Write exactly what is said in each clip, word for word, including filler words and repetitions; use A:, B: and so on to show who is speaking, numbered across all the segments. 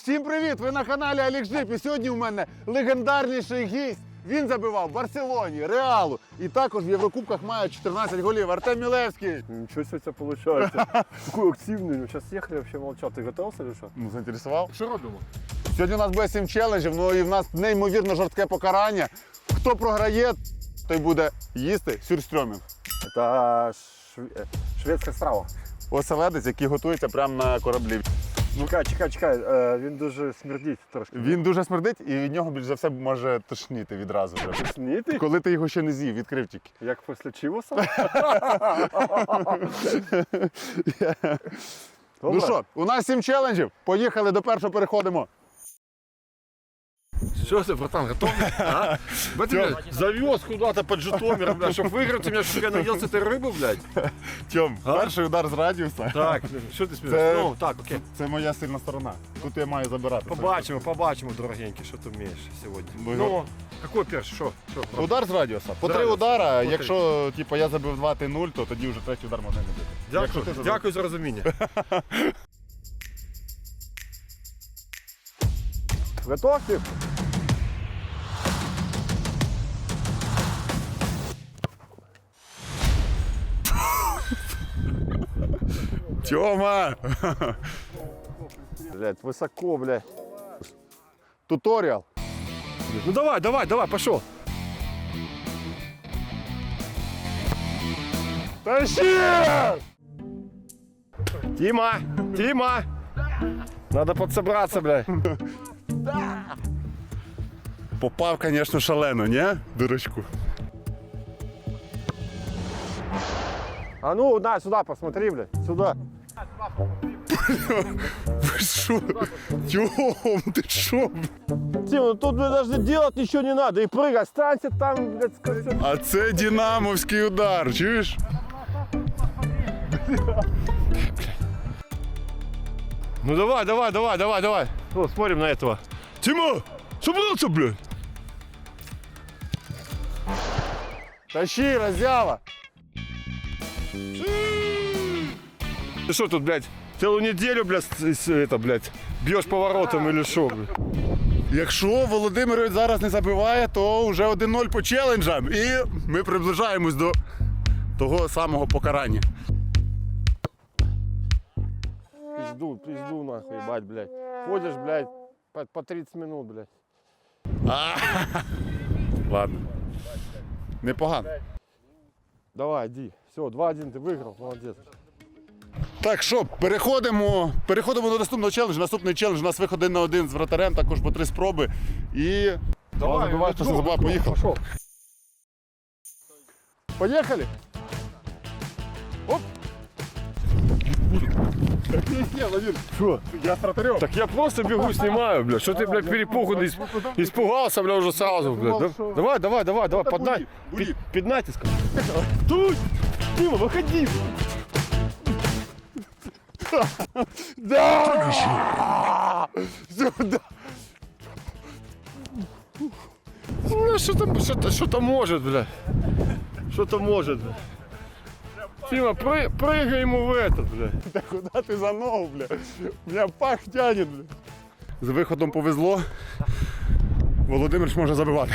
A: Всім привіт! Ви на каналі Олег Жип, і сьогодні у мене легендарніший гість. Він забивав в Барселоні, Реалу і також в Єврокубках має чотирнадцять голів. Артем Мілевський.
B: Ничего себе у тебя получается. Какой активный. Ну, сейчас ехали, вообще молчал. Ты готовился или что?
A: Ну, заінтересував?
B: Что робимо?
A: Сьогодні у нас буде сім челенджів, ну і в нас неймовірно жорстке покарання. Хто програє, той буде їсти сюрстрьомінг.
B: Это шве... шведська страва.
A: Оселедець, який готується прямо на кораблі.
B: Чекай, чекай, чекай. Е, він дуже смердить трошки.
A: Він дуже смердить і від нього більш за все може тошніти відразу. Вже.
B: Тошніти?
A: Коли ти його ще не з'їв, відкрив тільки.
B: Як після чивоса?
A: Ну що, у нас сім челенджів. Поїхали, до першого переходимо.
C: Что ты, братан, готов? А? Блядь, завез куда-то под Житомир, блядь, чтобы выиграть, у меня чтобы я наелся этой рыбы, блядь.
A: Тьом,
C: А?
A: перший удар з радіуса.
C: Так, що ти
A: Це-
C: смієш? Ну, так, окей.
A: Це моя сильна сторона. Тут я маю забирати.
C: Побачимо, побачимо, дорогенький, що ти вмієш сьогодні.
A: Ну,
C: Ну, який перший, що? Що?
A: Удар з радіуса. По три
C: Радіус.
A: удара,
C: По три.
A: якщо типу, я забив два, ти нуль, то тоді вже третій удар можна не бити. Якщо
C: Дякую,
A: ти забив.
C: дякую за розуміння.
B: Готов, Тим?
A: Тьома!
B: Блядь, високо, блядь.
A: Туторіал.
C: Ну давай, давай, давай, пошел.
A: Тащи!
C: Тима, Тима. Надо подсобраться, блядь.
A: Попав, звісно, шалено, ні? Дурачку.
B: А ну, на, сюда посмотри, блядь. Сюда.
A: Ви що? Тьом, ти що?
B: Тим, ну тут, блядь, даже делать ничего не надо. И прыгай, останься там, блядь, скажи.
A: А це динамовський удар, чуєш?
C: Ну давай, давай, давай, давай, давай. Ну, смотрим на этого. Тима, собрался, блядь.
A: Тащи, роззява!
C: Ты что тут, блядь, целую неделю, блядь, с- с- это, блядь, бьешь поворотом или что, блядь?
A: Якщо Володимирович зараз не забиває, то вже один нуль по челенджам. І ми приближаємось до того самого покарання.
B: Пизду, пизду, нахуй, ебать, блядь. Ходишь, блядь, по, по тридцать минут, блядь.
A: Ладно. Непогано.
B: Давай, иди. Все, два-один ты выиграл, молодец.
A: Так що, переходимо, переходимо до наступного челенджу. Наступний челендж у нас виход один на один з вратарем, також по три спроби. І давай, забивай, хто не забував, поїхав.
B: Пошел.
A: Поїхали! Оп! Ні, Владимир,
C: Что?
A: я з вратарем.
C: Так я просто бегу, снимаю, блядь. Что ты, блядь, перепуганный, исп- испугался, блядь, уже сразу, блядь. Да- Давай, давай, давай, давай, под, на...
A: буди.
C: під, під натиском. Тут! Дима, выходи!
A: Да! Сюди!
C: Ну, что-то, что-то, что-то может, блядь. Что-то может, блядь. Тима, пры, прыгай ему в этот, блядь.
A: Та куди ти за ногу, бля? Мене пах тянет, бля. З виходом повезло. Володимир ж може забивати.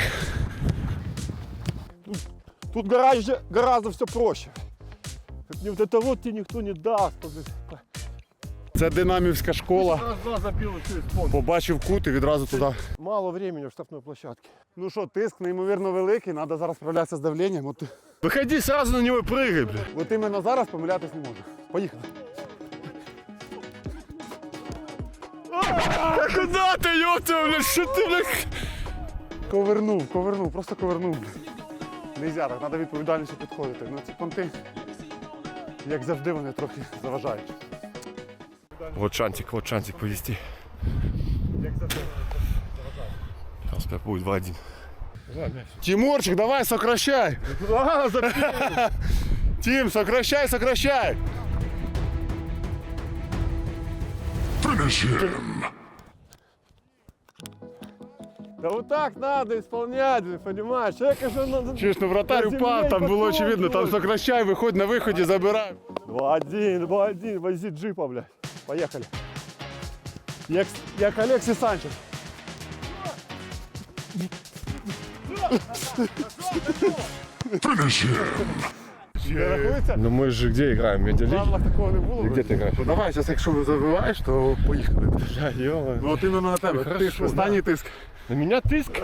B: Тут гораздо, гораздо все проще. Не вот это вот тебе никто не даст. блядь.
A: Це динамівська школа.
B: Раз-два забил и через пол.
A: Побачив кут і відразу туди.
B: Мало времени в штрафной площадке.
A: Ну що, тиск неймовірно великий, треба зараз справлятися з давленням. От,
C: Выходи сразу на него и прыгай, блядь.
A: от іменно зараз помилятись не можу. Поїхали.
C: А куда ты, ёпта, блядь, что ты, блядь?
A: Ковернув, ковернув, просто ковернув. Нельзя так, треба відповідальніше підходити. Ну ці понти, як завжди, вони трохи заважають.
C: Вот шантик, вот шантик повести. Сейчас как будет два-один.
A: Тимурчик, давай, сокращай! Тим, сокращай, сокращай!
B: Да вот так надо исполнять, понимаешь? Человека же надо...
A: Чуєш, ну вратарь упав, там було очевидно, там сокращай, виходь на виході, забирай.
B: два-один, два-один, вози джипа, блядь. Поехали. Як, як Олексій Санчес. Не рахується?
C: Ну мы же где играем?
B: В
C: Медиалиги?
B: правилах такого не було.
C: Где ты играешь?
A: Ну давай, зараз якщо забиваєш, то поїхали.
C: Да, ё-моё.
A: Ну от іменно на тебе.
C: Хорошо,
A: Тиск, останній тиск.
C: На меня тыск?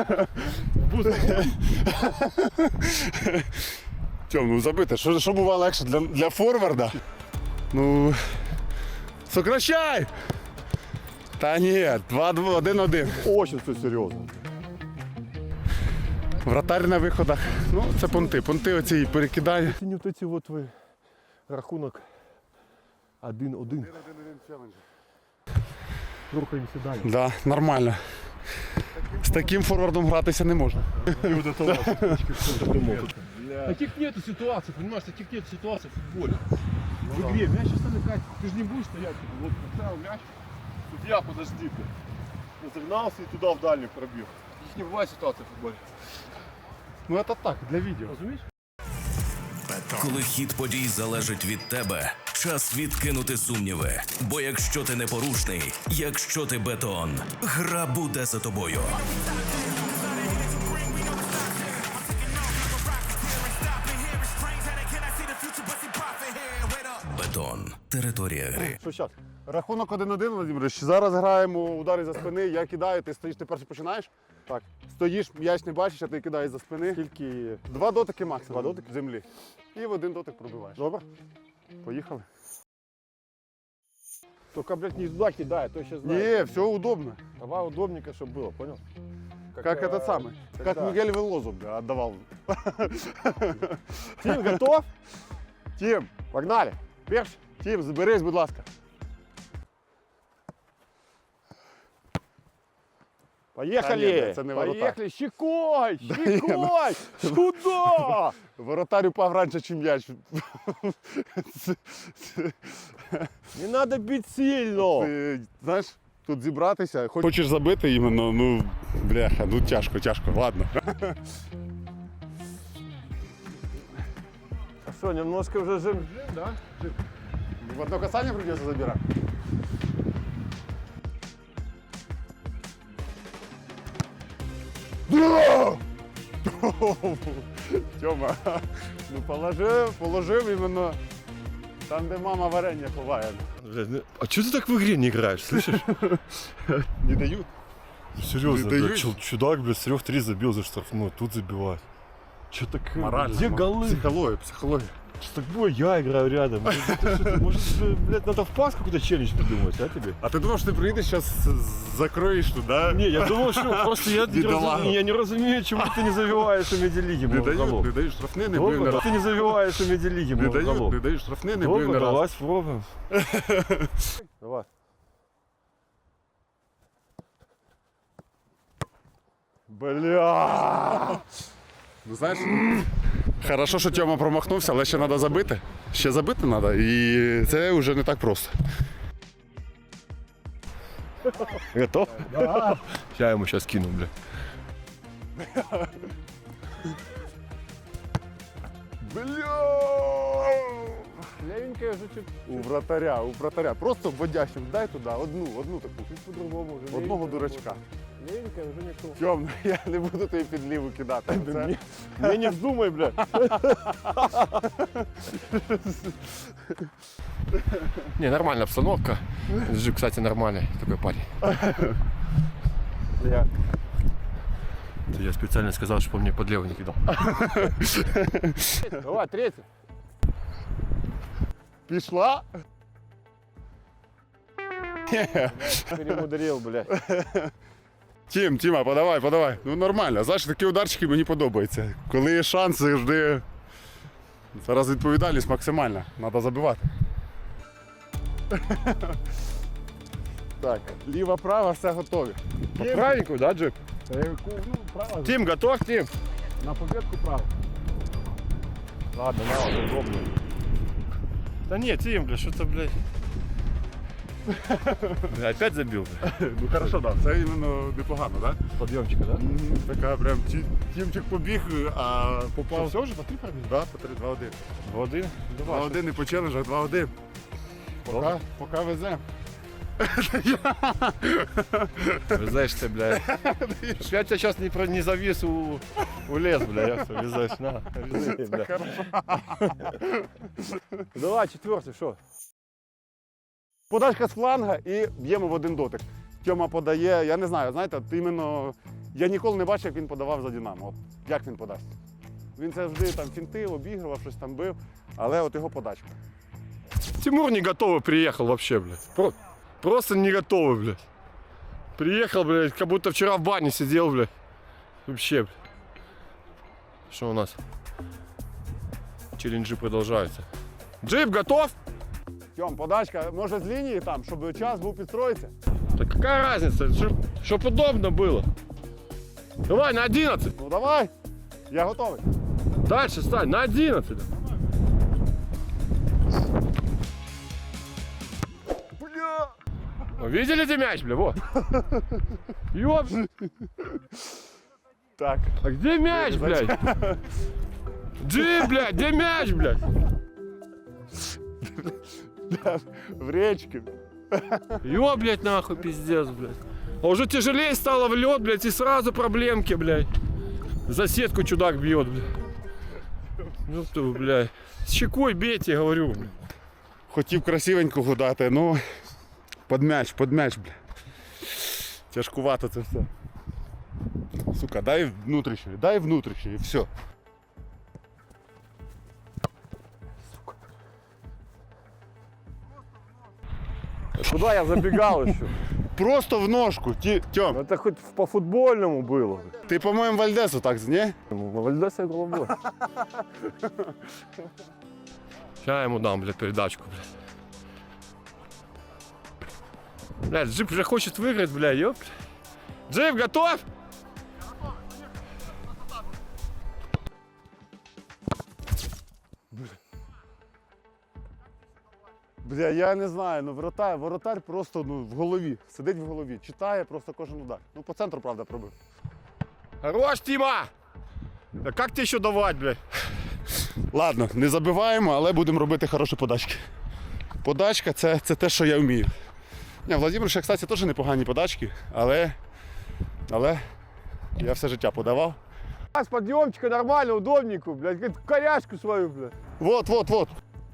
A: Тьом, ну забити, що, що буває легше для, для форварда? Ну. Сокращай! Та ні, два-два, один-один.
B: Очень все серйозно.
A: Вратарь на виходах. Ну, це понти. Понти оці перекидання.
B: Ці вот эти вот ви рахунок один-один. Рухаємося далі.
A: Да, нормально. З таким форвардом гратися не можна.
C: Таких нету ситуаций, понимаешь, таких нет ситуаций в футболе. В игре мяч оставляет, ты же не будешь стоять, вот поставил мяч, судья, подожди ты.
B: Разогнався і туди в дальню пробіг.
C: Их не бывает ситуации в футболе.
A: Ну це так, для відео.
C: Разумеешь?
D: Коли хід подій залежить від тебе, час відкинути сумніви. Бо якщо ти непорушний, якщо ти бетон, гра буде за тобою. Бетон. Територія гри.
B: Що зараз?
A: Рахунок один-один, Володимирович. Зараз граємо удари за спини, я кидаю, ти стоїш, ти перший починаєш.
B: Так.
A: Стоїш, м'яч не бачиш, а ти кидаєш за спини.
B: Тільки
A: Два дотики максимум.
B: Два дотики?
A: в землі. І в один дотик пробиваєш.
B: добре.
A: Поїхали.
B: Только, блядь, не туда кидай, а то сейчас знаю.
A: Ні, все удобно.
B: Давай удобненько, чтобы было, понял?
A: Как
B: э,
A: этот самый. Как
B: когда-
A: Мигель Велозу бля, отдавал.
B: Тим, готов?
A: Тім,
B: Погнали.
A: перш. Тім, заберись, будь ласка.
B: Поехали.
A: Та ні, це не воротар.
B: Поехали. Щекой, щекой. Сюда.
A: Воротар упав раніше, ніж м'яч.
B: Не надо бить сильно.
A: Ти, знаєш, тут зібратися. Хочеш забити іменно, ну, бляха, ну тяжко, тяжко, ладно.
B: А что, немножко уже жим?
C: Да?
A: В одно касание придется забирать. Тьома, ну положив, положив іменно там, де мама варення ховає.
C: А что ты так в игре не играешь, слышишь?
A: Не дають.
E: Серьезно,
A: Не
E: блядь,
A: даешь?
E: чел- чудак, блядь, с трех три забил за штрафную, тут забивает. Че так,
A: Морально.
E: где голы?
A: Психологія, психологія.
E: Что так было, я играю рядом. Может, это что-то- Может, э, блядь, надо в пас какой-то челлендж придумать, а тебе?
A: А ти думав, що ти приїдеш, зараз закроєш туди?
E: Не, я думал, что просто я не,
A: Бедолага.
E: разумею, я не разумею, чему ты не забиваешь у медиалиги
A: Не
E: много
A: дають,
E: голов.
A: не дають штрафни, не бив не
E: Добре,
A: раз.
E: ты не забиваешь у медиалиги
A: Не
E: много
A: дають,
E: голов.
A: не дають штрафни, не бив
E: Добре,
A: не раз.
E: давай спробуем.
B: Давай.
A: Бля. Ну знаєш, хорошо, що Тьома промахнувся, але ще треба забити. Ще забити треба, і це вже не так просто.
E: Готов? Да. Я ему сейчас кину, бля.
A: Бля!
B: Левенькая уже чуть.
A: У вратаря, у вратаря. Просто вводящим дай туди одну, одну таку.
B: Чуть по-другому уже.
A: Одного
B: Левенькая
A: дурачка.
B: работает. Левенькая уже не то.
A: Тьом, ну я не буду тобі під ліву кидати. Це...
B: Мне, мне не вздумай, бля.
C: Не, нормальная обстановка. Жик, кстати, нормальный такой парень.
B: Я.
E: Это я специально сказал, чтобы он мне под левый не кидал.
B: Давай, третий.
A: Пішла?
B: Перемудрил, бля.
A: Тім, Тіма, подавай, подавай. Ну нормально. Знаєш, такі ударчики мені подобаються. Коли є шанс, завжди. Зараз відповідальність максимальна. Треба забивати. Так, ліва, права, все готові.
C: Правенькую, да, Джип?
B: Ну, право.
C: Тим, готов, Тим?
B: На победку право. Ладно, на, вот, удобно.
E: Да нет, Тим, бля, что-то, блядь. Бля, опять забил, бля.
A: Ну хорошо, так. Да. Це іменно непогано, так? Да?
E: Подъемчика, да?
A: Така прям ті- Тімчик побіг, а попав.
C: Все уже, по три пробили?
A: Да, по три, два-один.
E: Воды.
A: два-один і по челенджах два-один. Поки, поки веземо.
E: Везеш ти, блядь. Щоб я тебе зараз не, про- не завіз у, у ліс, блядь, як це везеш, на, вези, блядь.
B: Давай, четвертий, що? Подачка з фланга і б'ємо в один дотик. Тьома подає, я не знаю, знаєте, от іменно я ніколи не бачив, як він подавав за Динамо. От як він подасть. Він завжди там фінтив, обігрував, щось там бив, але от його подачка.
C: Тимур не готовый приехал вообще, блядь. Про- просто не готовый, блядь. Приехал, блядь, как будто вчера в бане сидел, блядь. Вообще, блядь. Что у нас? Челленджи продолжаются. Джип готов?
B: Тьом, подачка, може з лінії там, щоб час був підстроїтися.
C: Да какая разница, чтобы удобно было. Давай на одиннадцать.
B: Ну давай, я готовий.
C: Дальше стань, на одиннадцать.
B: Бля!
C: Видели где мяч, бля, вот. Ёп.
B: Так,
C: А где мяч, блядь? Джип, блядь, где мяч, блядь?
B: в речці.
C: Ё, блядь, нахуй, пиздец, блядь. А уже тяжелее стало в лед, блядь, и сразу проблемки, блядь. За сетку чудак бьет, блядь. Ну ты, блядь. С щекой бейте, говорю, блядь.
A: Хотів красивенько гудати, ну під м'яч, під м'яч, бля. Тяжкувато це все. Сука, дай внутрішньої, дай внутрішньої, і все.
B: Куда я забегал еще?
A: Просто в ножку. Ті, Тьом,
B: Это хоть по футбольному было.
A: ти, по-моєму, Вальдесу так, ні?
B: Вальдеса головой.
C: Сейчас я ему дам, блядь, передачку, блядь. Блядь, Джип уже хочет выиграть, блядь, ёп. Джип, готов?
B: Бля, я не знаю, ну воротар, воротар просто ну, в голові, сидить в голові, читає просто кожен удар. Ну по центру, правда, пробив.
C: Хорош, Тима! Да как тебе еще давать, блядь?
A: Ладно, не забиваємо, але будемо робити хороші подачки. Подачка це, це те, що я вмію. Ні, Владимир ще, кстати, теж непогані подачки, але, але я все життя подавав.
B: А с подъемчика нормально, удобненько, блядь, говорит, корячку свою, блядь.
A: Вот, вот, вот.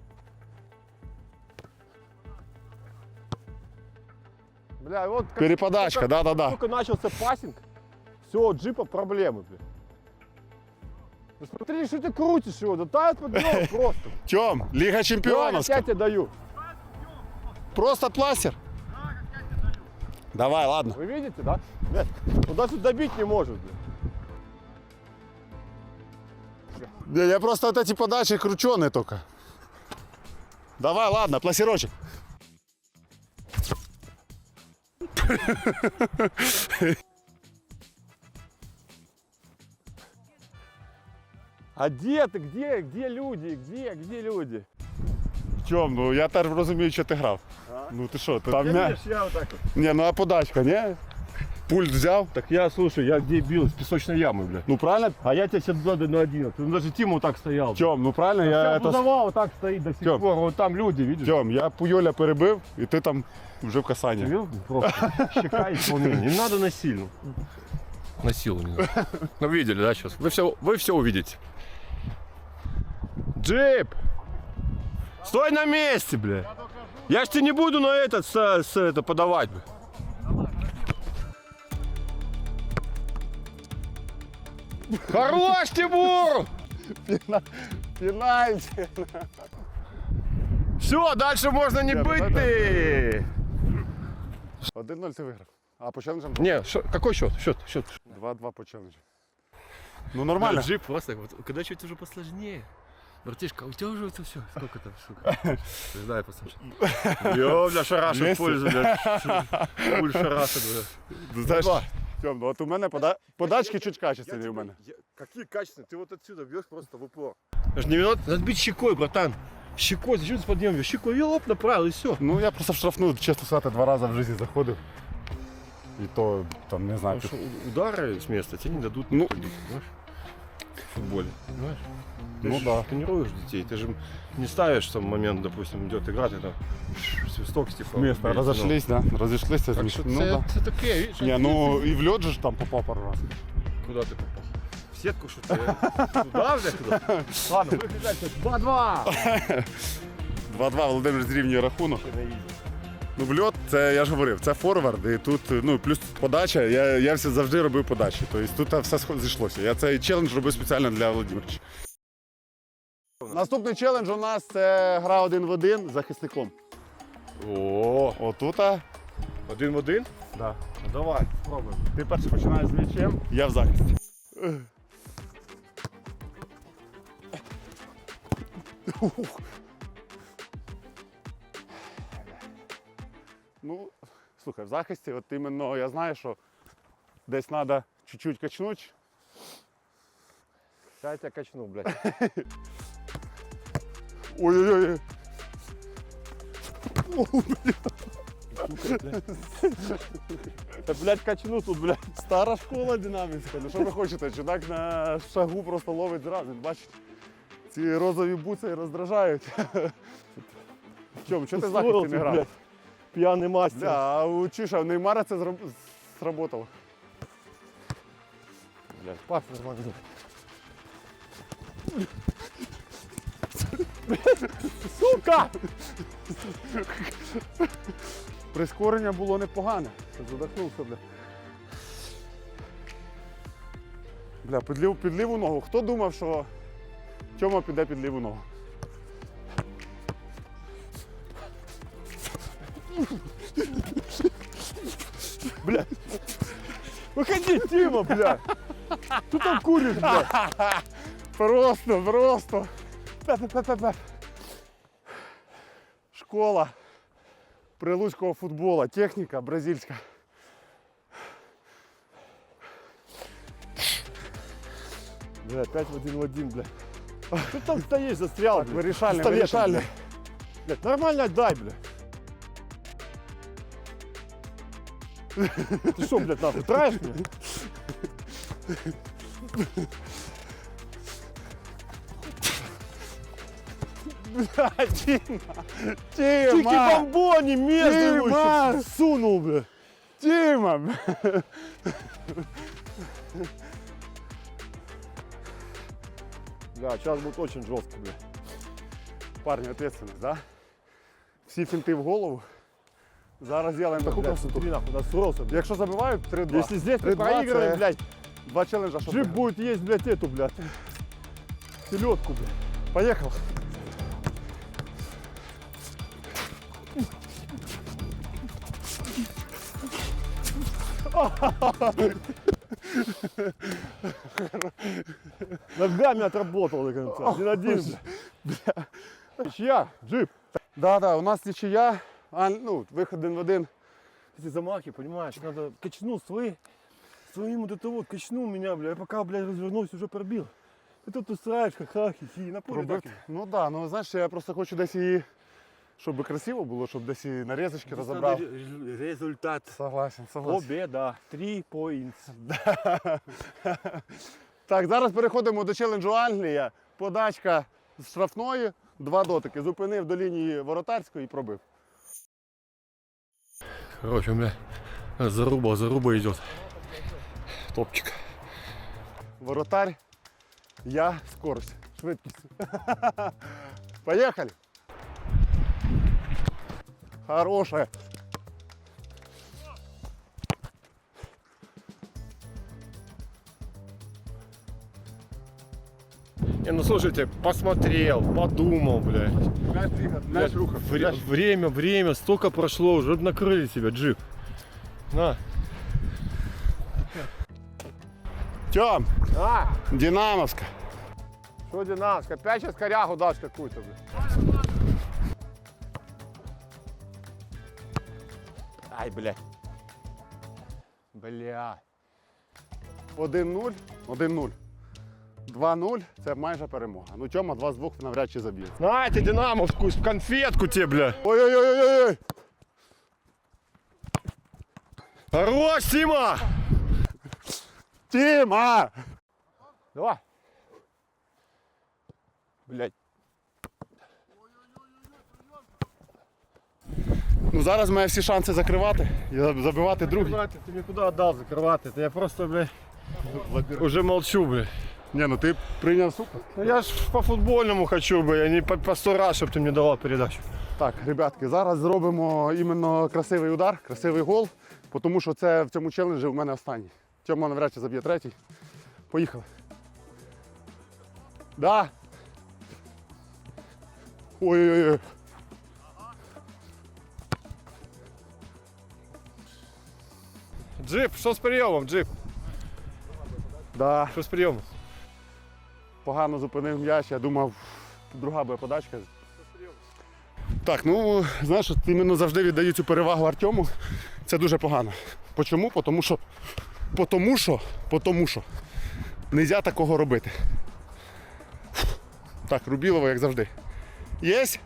B: Бля, вот как,
A: Переподачка,
B: только,
A: да-да-да.
B: только начался пассинг, все, у джипа проблемы, блядь. Ну смотри, что ты крутишь его, да тает подъем просто.
A: Тьом, Ліга
B: Давай,
A: Чемпіонівська.
B: я тебе даю.
A: Просто пластир. Давай, ладно.
B: Вы видите, да? Блядь, он даже добить не может, блядь.
A: Я, я просто вот эти подачи крученые только. Давай, ладно, пластирочек.
B: А где ты, где, где люди, где, где люди?
A: Тьом, ну я теж розумію, що ти грав. Ну ти що, ти там м'я...
B: Видишь, я вот так вот.
A: Ні, ну а подачка, ні? Пульт взяв.
C: Так я, слушай, я где бил? С песочной ямы, блядь.
A: Ну правильно?
C: А я тебя сейчас сзади на одиннадцать. Ну даже Тима вот так стоял.
A: Тьом, ну правильно, я
C: Я
A: это...
C: Бузова вот так стоит до сих
A: Тём.
C: пор. Вот там люди, видишь?
A: Тьом, я Пуйоля перебив, і ти там вже в
C: Ты
A: касанні.
C: видел? Просто щека исполнение. Не надо насильно. На силу не надо. Ну видели, да, сейчас? Вы все, вы все увидите. Джип! Стой на месте, бля! Я ж тебе не буду на этот, с, с, это подавать, бля. Хорош, Тимур!
B: Пенальти.
C: Все, дальше можно не
A: Я
C: быть
A: давай,
C: ты.
A: один-нуль ти виграв. А по челенджам
C: Не, шо- какой счет? Счет, счет.
A: два-два по челенджу. Ну нормально.
E: Джип просто, вот, когда чуть уже посложнее. Братишка, у тебя уже это все. Сколько там, сука? Не знаю, послушай.
C: Ё, бля, шарашит
A: Двести.
C: пользу, бля. Пуль шарашит, бля.
A: Ну, знаєш, Тьом, ну от у мене пода... подачки чуть качественні у мене.
B: Какие качественные? Ты вот отсюда бьешь просто в упор.
C: Даже не минут, надо бить щекой, братан. Щекой, зачем ты подъем? Щекой, я лоб направил, и все.
A: Ну я просто в штрафну, чесно сказати, два рази в житті заходив. І то, там, не знаю,
C: Потому что удары с места тебе не дадут.
A: Ну,
C: ходить, понимаешь?
E: футболе. Понимаешь? Ты
A: Ну
E: ж
A: да.
E: тренируешь детей, ты же не ставишь в момент, допустим, идет игра, ты там свисток стихов.
A: Место, разошлись, да? Разошлися.
E: Так що
A: ну,
E: це,
A: да.
E: це таке, видиш?
A: Ні, ну і в льот же ж там попав пару раз.
E: Куда ты попал? В сетку что ты? Туда, бля, куда? Ладно, выключайся. два-два.
A: два-два Володимир зрівнює рахунок. Ну, в льот, це я ж говорив, це форвард, і тут, ну, плюс подача, я, я все завжди робив подачі. Тобто тут все схо- зійшлося. Я цей челендж робив спеціально для Володимировича. Наступний челендж у нас це гра один в один з захисником.
E: О,
A: Отута.
E: один в один?
A: Да.
E: Ну давай, спробуємо.
A: Ти перший починаєш з м'ячем, я в захисті. Ну, слухай, в захисті, от іменно я знаю, що десь треба чуть-чуть качнути.
E: Сейчас я тебя качну, блядь.
A: Ой-ой-ой.
E: Да, блядь, качну тут, блядь.
A: Стара школа динамівська. Ну що ви хочете? Чудак на шагу просто ловить зразу. Бачите, ці розові буци роздражають. В чому? Чого ти в захисті не грав?
E: Пьяный мастер.
A: Да, а у Чиша, у Неймара це зроб... сработало.
E: Блядь, пас нормально.
A: Сука! Прискорення було непогане. Задохнувся, бля. Бля, під ліву, під ліву ногу. Хто думав, що Тьома піде під ліву ногу?
E: Выходи, Тима, блядь. Ты там куришь, блядь.
A: Просто, просто. Пе-пе-пе-пе-пе. Школа прилуцького футбола. Техніка бразильська.
E: Блядь, пять в один в один, блядь. Ты там стоишь, застрял, блядь.
A: Вирішальний,
E: Пистолетом,
A: вирішальний.
E: Блядь, нормально отдай, блядь. Ты что, блядь, нахуй, траешь меня?
A: Тіма!
E: Чики
A: Тіма!
E: бомбони между его
A: Тима!
E: еще сунул, блядь.
A: Тіма!
E: Да, сейчас будет очень жестко, блядь.
A: Парні, ответственность, да? Всі фінти в голову. Зараз зробимо таку
E: Блядь,
A: красоту.
E: смотри, нахуй, насрался, блядь.
A: Якщо забивають, три-два.
E: Если здесь мы
A: три-два
E: проигрываем,
A: це
E: блядь,
A: Два челенджа, щоб
E: джип
A: виграти.
E: будет есть, блядь, эту, блядь. Селедку, блядь.
A: Поїхав.
E: Ногами отработал до конца. Один один, блядь. Чья? Джип.
A: Да, да, у нас нічия, а, ну, виход один в один.
E: Эти замахи, понимаешь, надо качнул свои, своим вот это вот, качнул меня, бля, я пока, блядь, развернулся, уже пробил. Ты тут устраиваешь, ха-ха, хи-хи, на поле
A: Пробити.
E: так.
A: Ну так, да, ну знаєш, я просто хочу десь її, щоб красиво було, щоб десь і нарізочки розібрав.
E: Результат.
A: Согласен, согласен.
E: Победа. Три поінтс.
A: Так, зараз переходимо до челенджу Англія. Подачка з штрафної, два дотики. Зупинив до лінії воротарської і пробив.
C: Короче, бля, заруба, заруба идет. Топчик.
A: Воротарь, я, скорость, швидкість. Поїхали. Хороше.
E: Не, ну слушайте, посмотрел, подумал, блядь.
A: Мяч рухав.
E: Вре- время, время, столько прошло, уже накрыли тебя, джип. На.
A: Тьом,
E: А,
A: Динамовська.
E: что динамовская? Опять сейчас корягу дашь какую-то, блядь. Ай, блядь. Бля.
A: один нуль, один нуль. два нуль це майже перемога. Ну Тьома два з двох навряд чи заб'є.
E: На, ты динамовскую конфетку тебе, бля.
A: Ой-ой-ой-ой-ой!
E: Хорош, Тима!
A: Тіма!
E: Давай. Блядь.
A: Ну зараз має всі шанси закривати і забивати другий.
E: Закрывати, ти мені куди віддав закривати? Та я просто, блядь, уже молчу, блядь.
A: Ні, ну ти прийняв супер.
E: Ну я ж по футбольному хочу, блядь, а не по, по сто раз, щоб ти мені давав передачу.
A: Так, ребятки, зараз зробимо іменно красивий удар, красивий гол, тому що це в цьому челенджі у мене останній. Тьома навряд чи заб'є третій. Поїхали. Да. Ой-ой-ой.
E: Джип, що з прийомом, Джип?
A: Да.
E: Що з прийомом?
A: Погано зупинив м'яч, я думав, друга буде подачка. Так, ну, знаєш, от іменно завжди віддаю цю перевагу Артему. Це дуже погано. Почому? Потому що, потому що, потому що. Нельзя такого робити. Так, Рубілово, як завжди. Єсть?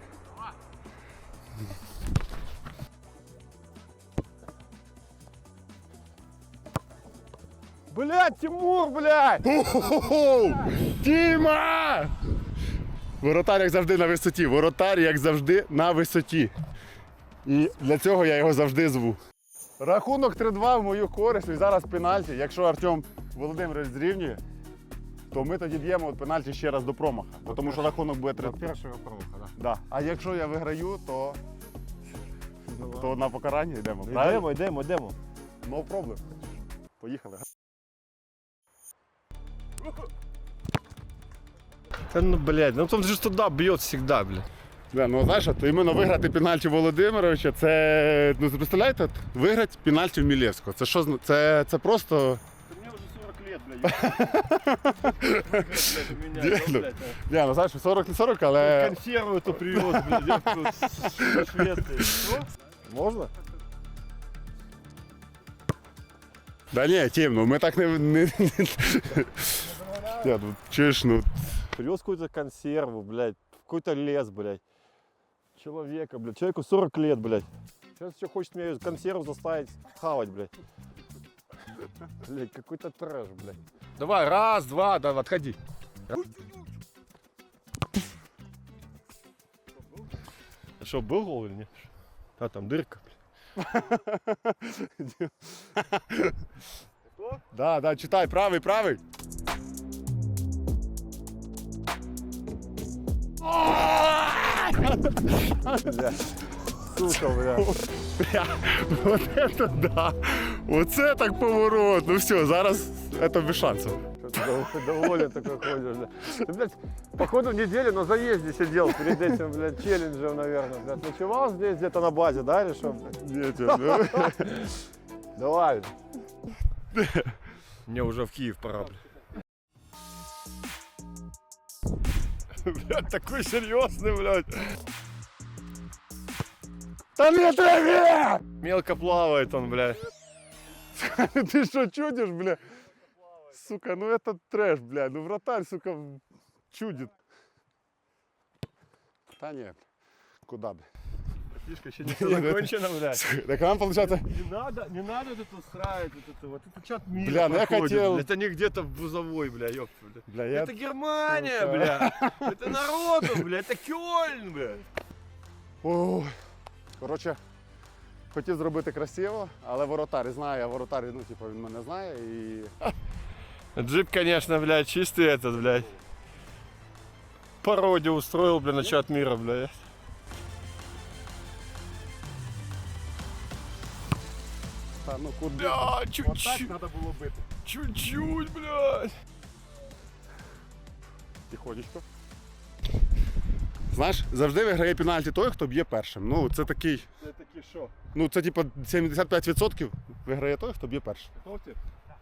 E: Блядь, Тимур, блядь!
A: Хо-хо-хо! Тіма! Воротар, як завжди, на висоті. Воротар, як завжди, на висоті. І для цього я його завжди зву. Рахунок три-два в мою користь. І зараз пенальті. Якщо Артем Володимирович зрівнює, то ми тоді б'ємо от пенальті ще раз до промаха. Бо Тому що рахунок буде три-два.
E: Першого промаха, да.
A: Да. А якщо я виграю, то, то на покарання йдемо. Правильно?
E: Йдемо, йдемо, йдемо.
A: No problem. Поїхали.
E: Та ну, блядь, ну он же туда бьет всегда, блядь.
A: Да, ну знаєш, от іменно виграти пенальті Володимировича, це, ну представляєте, от, виграти пенальті в Мілєвського. Це що, зна- це, це просто...
E: Мне уже сорок лет, блядь.
A: Блядь, ну, Я, ну знаєш, сорок не сорок, але...
E: Консерву эту привез, блядь, я тут со Швеции. Что? Можно?
A: Да ні, Тім, ну ми так не... не... Я, ну, чуєш, ну...
E: Привез какую-то консерву, блядь, в какой-то лес, блядь. Человека, блядь, человеку сорок лет, блядь. Сейчас еще хочет меня консерву заставить хавать, блядь. Блядь, какой-то трэш, блядь. Давай, раз, два, да, отходи. А что, был гол или нет? А, там дырка, блядь.
A: Да, да, читай, правий, правий.
E: Сука, блядь.
A: Бля, вот это да! Оце так поворот. Ну все, зараз это без шансов.
E: Ты доволен такой ходишь, блядь. Ты, блядь, походу неделю на заезде сидел перед этим, блядь, челленджем, наверное, блядь. Ночевал здесь где-то на базе, да, или что, блядь?
A: Ні, Тім, ну...
E: Давай. Мне уже в Киев пора, блядь. Блядь, такой серьезный, блядь.
A: Та не траві!
E: Мелко плавает он, блядь.
A: Ти що чудиш, бля? Сука, ну это трэш, бля. Ну вратарь, сука, чудит. Та ні, куда, бля?
E: Фишка еще не все закончено, блядь.
A: Так нам получается...
E: Не надо, не надо тут устраивать вот это вот. Это чат мира
A: Бля, ну я
E: проходит,
A: хотел-
E: блядь. Это не где-то в Бузовой, бля, ёпта, бля.
A: Бля, я...
E: Это Германия,
A: Сука.
E: бля. Это народу, бля. Это Кёльн, бля.
A: Ой. Коротше, хотів зробити красиво, але воротар знає, а воротар, ну, типу, він мене знає і...
E: Джип, конечно, блядь, чистый этот, блядь. Пародию устроил, бля, на чат мира, блядь.
A: Та, ну, куди?
E: Бля,
A: Отак
E: чуть-чуть,
A: треба було бити.
E: чуть-чуть, блядь.
A: Тихонечко. Знаєш, завжди виграє пенальті той, хто б'є першим. Ну, це такий,
E: Это таки шо?
A: ну, це типу сімдесят п'ять відсотків виграє той, хто б'є першим.
E: Готовьте?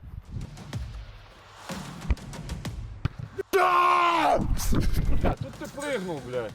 E: Бля, тут ты прыгнул, блядь.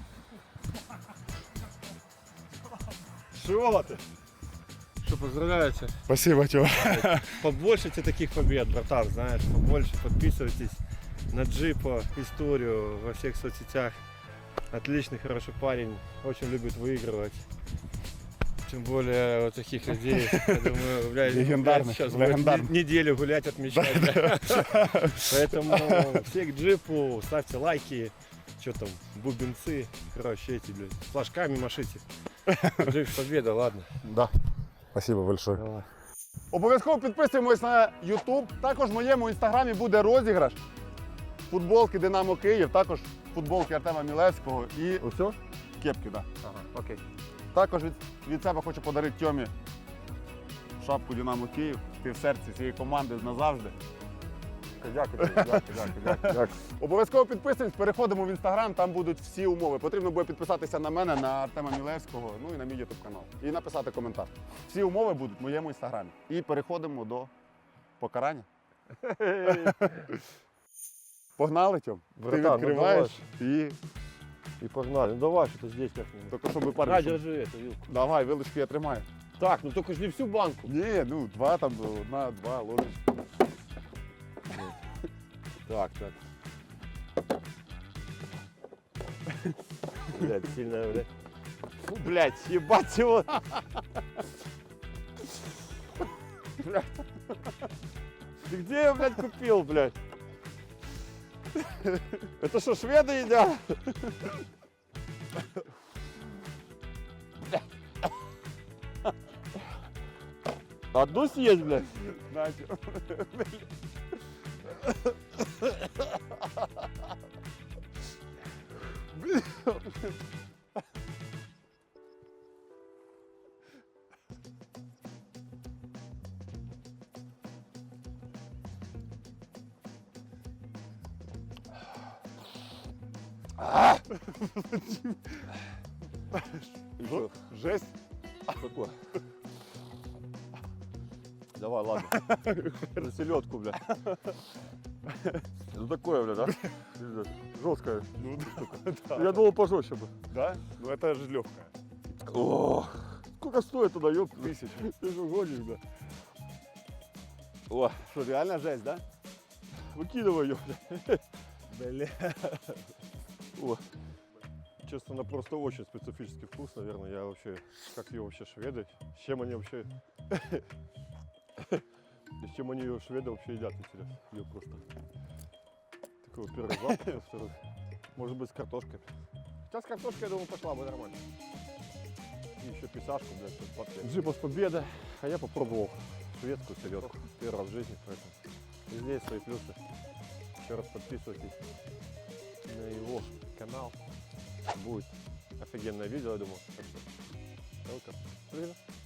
E: Шо ты? Что, поздравляете?
A: Спасибо, Тьома.
E: Побольше тебе таких побед, братан, знаешь, побольше подписывайтесь на Джипа, историю во всех соцсетях. Отличный, хороший парень, очень любит выигрывать. Тем более вот таких людей, я думаю, блядь,
A: Легендарных,
E: блядь, сейчас
A: легендарных.
E: будет не- неделю гулять, отмечать. блядь. Поэтому все к Джипу, ставьте лайки, что там, бубенцы, короче, эти, блядь, флажками машите. Джип победа, ладно.
B: Да. Спасибо большое.
E: Давай.
B: Обов'язково підписуємось на YouTube. Також в моєму інстаграмі буде розіграш футболки Динамо Київ, також футболки Артема Мілевського і
E: Все?
B: кепки. Да.
E: Ага, окей.
B: Також від, від себе хочу подарити Тьомі шапку Динамо Київ. Ти в серці цієї команди назавжди.
E: Дякую, дякую, дякую, дякую.
B: Обов'язково підписуємось, переходимо в інстаграм, там будуть всі умови. Потрібно буде підписатися на мене, на Артема Мілевського, ну і на мій ютуб канал. І написати коментар. Всі умови будуть в моєму інстаграмі. І переходимо до покарання. Погнали, Тьом. Ти
E: Братан, ну
B: відкриваєш і
E: И погнали. Ну давай, что-то здесь как-нибудь.
B: тільки щоб
E: На,
B: парень.
E: держи эту вилку.
B: Давай, вилочки я тримаю.
E: Так, ну только ж не всю банку.
B: Ні, ну два там, одна, два ложечки.
E: Так, так. Блядь, сильная, блядь. Фу, блядь, ебать его. Блядь. Ты где я, блядь, купил, блядь? Это что, шведы едят? Одну съесть, блядь?
B: Наче.
E: Что?
B: Жесть.
E: Какой? Давай, ладно. За селедку, бля. Ну такое, бля, да? Жесткое.
B: Ну,
E: Я думал пожестче бы.
B: да? Ну это же легкая.
E: О, сколько стоит туда, ёб
B: Тысяча.
E: Ты же гонишь, бля.
B: О, что, реально жесть, да?
E: Выкидывай ее, бля.
B: Бля.
E: О. Честно, она просто очень специфический вкус, наверное. Я вообще, как ее вообще шведы, с чем они вообще, и с чем они ее шведы вообще едят, интересно. Ее просто. Такой вот первый запах, во-вторых, может быть, с картошкой. Хотя с картошкой, я думаю, пошла бы нормально. И еще писашку, блядь, тут подпрям. Джипов победа, а я попробовал шведскую селедку. Первый раз в жизни, поэтому везде есть свои плюсы. Еще раз подписывайтесь на его канал. Будет офигенное видео, я думаю. Так что, welcome. Привет.